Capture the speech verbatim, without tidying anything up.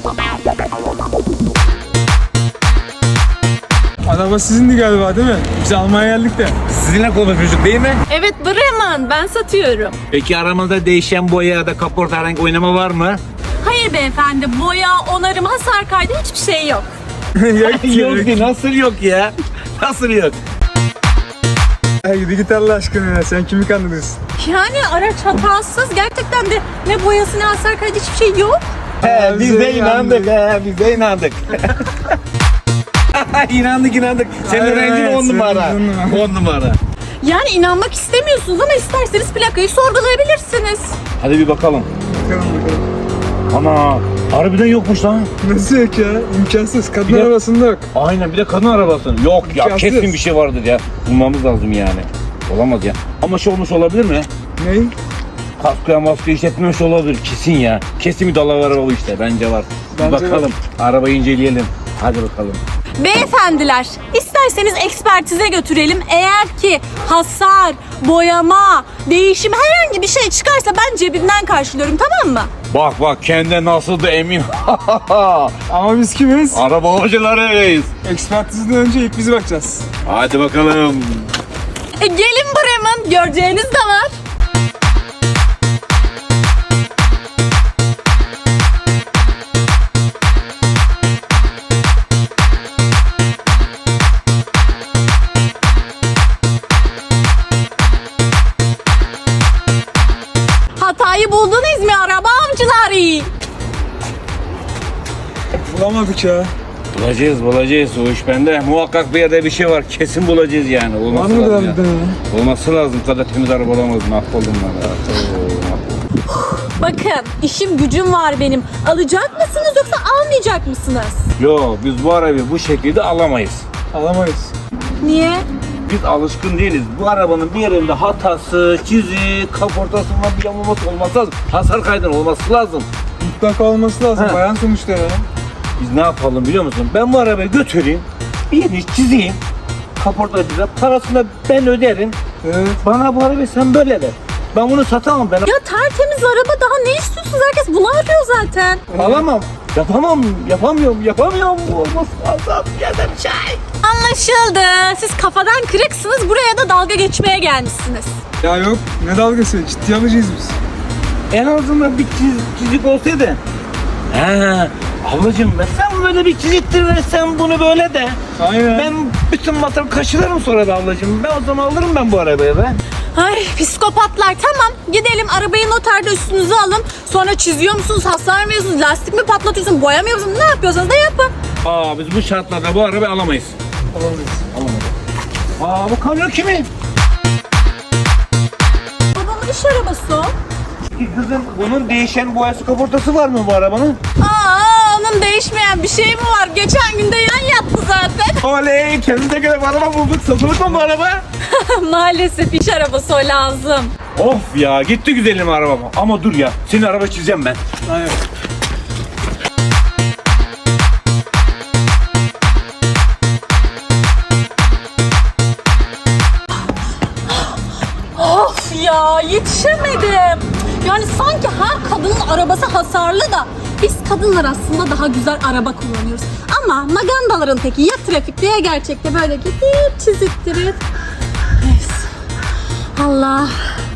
Araba sizindi galiba değil mi? Biz almaya geldik de. Sizinle konuşmuştuk değil mi? Evet Bremen, ben satıyorum. Peki aramızda değişen boya ya da kaporta herhangi oynama var mı? Hayır beyefendi, boya, onarım, hasar kaydı hiçbir şey yok. Yok Yok ki, nasıl yok ya? Nasıl yok? Ya gidi git Allah aşkına ya. Sen kimi kandırıyorsun? Yani araç hatasız, gerçekten de ne boyası ne hasar kaydı hiçbir şey yok. He, biz de bize inandık, he, biz de inandık. inandık inandık. Senin Aynen, rengin on senin numara. on numara. On numara. Yani inanmak istemiyorsunuz ama isterseniz plakayı sorgulayabilirsiniz. Hadi bir bakalım. Bakalım bakalım. Ana, harbiden yokmuş lan. Nasıl yok ya? İmkansız. Kadın Bir de- arabasında yok. Aynen, bir de kadın arabası. Yok ya, İmkansız. kesin bir şey vardır ya. Bulmamız lazım yani. Olamaz ya. Ama şey olmuş olabilir mi? Ney? Kaskoya maske işletmemiş olabilir kesin ya. Kesin bir dalavar o işte, bence var. Bir Bence bakalım. Arabayı inceleyelim. Hadi bakalım. Beyefendiler, isterseniz ekspertize götürelim. Eğer ki hasar, boyama, değişim herhangi bir şey çıkarsa ben cebimden karşılıyorum, tamam mı? Bak bak, kendine nasıl da emin. Ama biz kimiz? Araba hocalarıyız. Ekspertizden önce ilk biz bakacağız. Hadi bakalım. E, gelin Bremen, göreceğiniz de var. Hatayı buldunuz mu araba avcıları? Bulamadık ya. Bulacağız bulacağız, o iş bende. Muhakkak bir yerde bir şey var. Kesin bulacağız yani. Var Olması mı lazım da ya. bir de? Olması lazım. Bu kadar temiz araba olamaz. Mahvoldum ben. ya. Oo, mahvoldum. Bakın, işim gücüm var benim. Alacak mısınız yoksa almayacak mısınız? Yo, biz bu arabayı bu şekilde alamayız. Alamayız. Niye? Biz alışkın değiliz. Bu arabanın bir yerinde hatası, çizik, kaportasında bir yamulması olması lazım. Hasar kaydının olması lazım. Mutlaka olması lazım. Ha. Bayan sonuçta ya. Biz ne yapalım biliyor musun? Ben bu arabayı götüreyim, bir yerini çizeyim. Kaportacıda parasını ben öderim. Evet. Bana bu arabayı sen böyle ver. Ben bunu satamam, ben Ya tertemiz araba, daha ne istiyorsunuz? Herkes bunu arıyor zaten. alamam. Yapamam, yapamıyorum, yapamıyorum. Bu olmaz lazım. Yedim çay. Anlaşıldı. Siz kafadan kırıksınız, buraya da dalga geçmeye gelmişsiniz. Ya yok. Ne dalgası? Ciddi alacağız biz. En azından bir çiz, çizik olsaydı. He, ablacığım ben sen böyle bir çiziktir ve sen bunu böyle de. Aynen. Ben bütün masrafı kaşılarım sonra da ablacığım. Ben o zaman alırım ben bu arabayı be. Ay psikopatlar, tamam gidelim arabayı noterde üstünüze alın. Sonra çiziyor musunuz, hasar mı yiyorsunuz, lastik mi patlatıyorsunuz, boyamıyor musunuz, ne yapıyorsanız da yapın. Aa, biz bu şartlarda bu arabayı alamayız. Alamayız. Aa, bu kamyon kimin? Babamın iş arabası o. Kızım, bunun değişen boyası kaportası var mı bu arabanın? Aa, onun değişmeyen bir şey mi var? Geçen günde yan yattı zaten. Oley, kendimize göre bir araba bulduk. Satılık mı bu araba? Maalesef iş arabası o lazım. Of ya, gitti güzelim arabam. Ama dur ya, senin araba çizeceğim ben. Aynen. Of ya, yetişemedim. Yani sanki her kadının arabası hasarlı da biz kadınlar aslında daha güzel araba kullanıyoruz. Ama magandaların teki ya trafikte ya gerçekte böyle gidip çiziktirip. Neyse. Allah.